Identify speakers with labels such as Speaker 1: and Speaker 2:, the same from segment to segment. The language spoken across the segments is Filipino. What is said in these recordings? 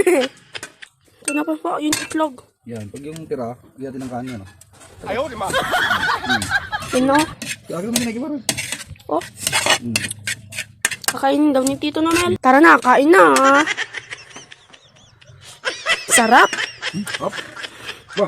Speaker 1: Ito na po yung itlog.
Speaker 2: Yan, pag yung tira, iyatin ng kanya, no?
Speaker 3: Ayaw, di ba?
Speaker 1: Yun o.
Speaker 2: Kaya naman ginagibaran.
Speaker 1: Oh. Kakainin daw ni Tito Nomel. Tara na, kain na. Sarap.
Speaker 2: Hop. Bah.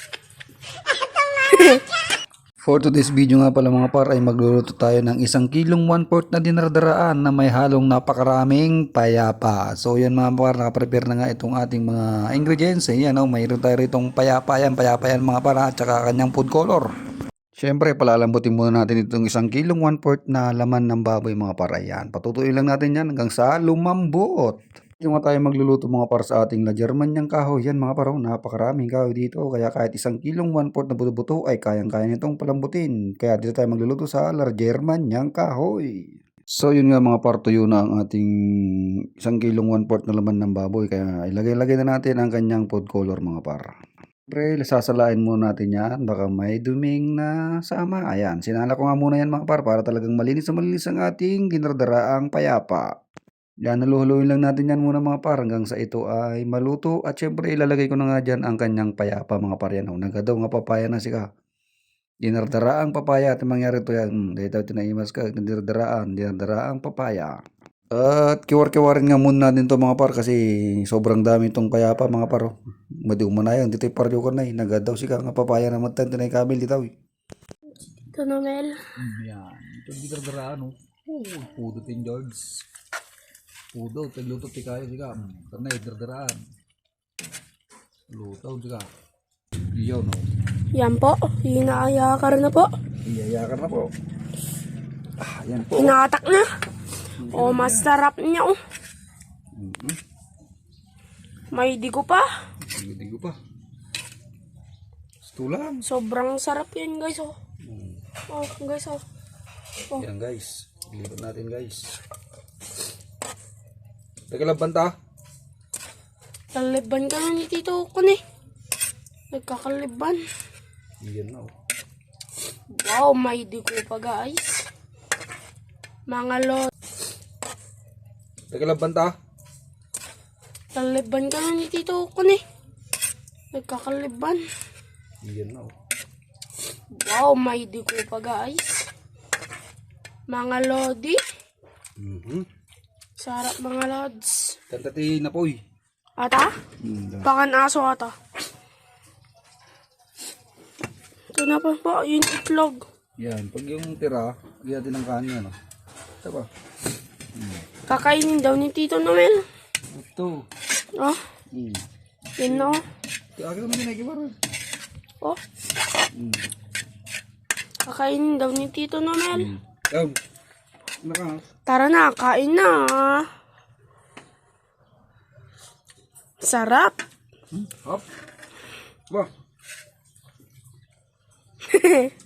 Speaker 2: For today's video nga pala mga par ay magluluto tayo ng 1 kilong 1/4 na dinardaraan na may halong napakaraming payapa. So yan mga par, nakaprepare na nga itong ating mga ingredients. Ayan o, mayroon tayo ritong payapa yan mga par at saka kanyang food color. Siyempre palalambutin muna natin itong 1 kilong 1/4 na laman ng baboy mga par. Ayan, patutuin lang natin yan hanggang sa lumambot. Yung nga tayo magluluto mga par sa ating La Germanyang kahoy. Yan mga par, napakaraming kahoy dito. Kaya kahit 1 kilong 1/4 na buto-buto ay kayang-kaya nitong palambutin. Kaya dito tayo magluluto sa La Germanyang kahoy. So yun nga mga par, tuyo na ang ating 1 kilong 1/4 na laman ng baboy. Kaya ilagay-lagay na natin ang kanyang food color mga par. Siyempre, sasalain muna natin yan. Baka may duming na sama. Ayan, sinala ko nga muna yan mga par para talagang malinis na malinis ang ating dinardaraang payapa. Yan, naluhuluin lang natin yan muna mga par hanggang sa ito ay maluto. At syempre ilalagay ko na nga dyan ang kanyang payapa mga par. Yan, nagadaw nga papaya na sika. Dinardaraang papaya at mangyari ito yan. Dahil tayo tinaimas ka, dinardaraang papaya. At kiwar-kiwarin nga muna natin ito mga par kasi sobrang dami itong payapa mga par. Madiw mo na yan, dito yung paryo ko na nagadaw sika nga papaya na matan, tinay kamil dito.
Speaker 1: Tito Nomel.
Speaker 2: Yan, ito dinardaraan o. Pudo tin George. Pudo, tagluto ti kayo sika. Karena idardaraan. Lutaw sika. Iyaw no.
Speaker 1: Yan po. Inaayakar na po.
Speaker 2: Iyayakan na po. Ah, yan po.
Speaker 1: Inatak na. Oh, masarap niya oh. May digo pa.
Speaker 2: Hindi ko pa. Gusto lang.
Speaker 1: Sobrang sarap yan guys oh. Oh guys oh. Oh.
Speaker 2: Yan guys. Ilipat natin guys. Teka lang banta.
Speaker 1: Kaliban ka na ni Tito Kun eh. Nagkakaliban.
Speaker 2: Yan na oh.
Speaker 1: Wow, may digo pa guys. Mga lot.
Speaker 2: Teka lang banta.
Speaker 1: Kaliban ka na ni Tito Kun eh. Nagkakaliban.
Speaker 2: Yan na oh.
Speaker 1: Wow, may digo pa guys. Mga lodi. Sarap mga lods.
Speaker 2: Tantati na po eh.
Speaker 1: Ata? Pakan aso ata. Ito na po yung itlog.
Speaker 2: Yan, pag yung tira, iyatin ng kanya no. Ito pa.
Speaker 1: Kakainin daw ni Tito Nomel.
Speaker 2: Ito.
Speaker 1: Oh, yun na oh.
Speaker 2: Kaya naman ginagibaran.
Speaker 1: Oh. Kakainin daw ni Tito Nomel.
Speaker 2: Yan. Naka.
Speaker 1: Tara na, kain na. Sarap.
Speaker 2: Hop. Bah.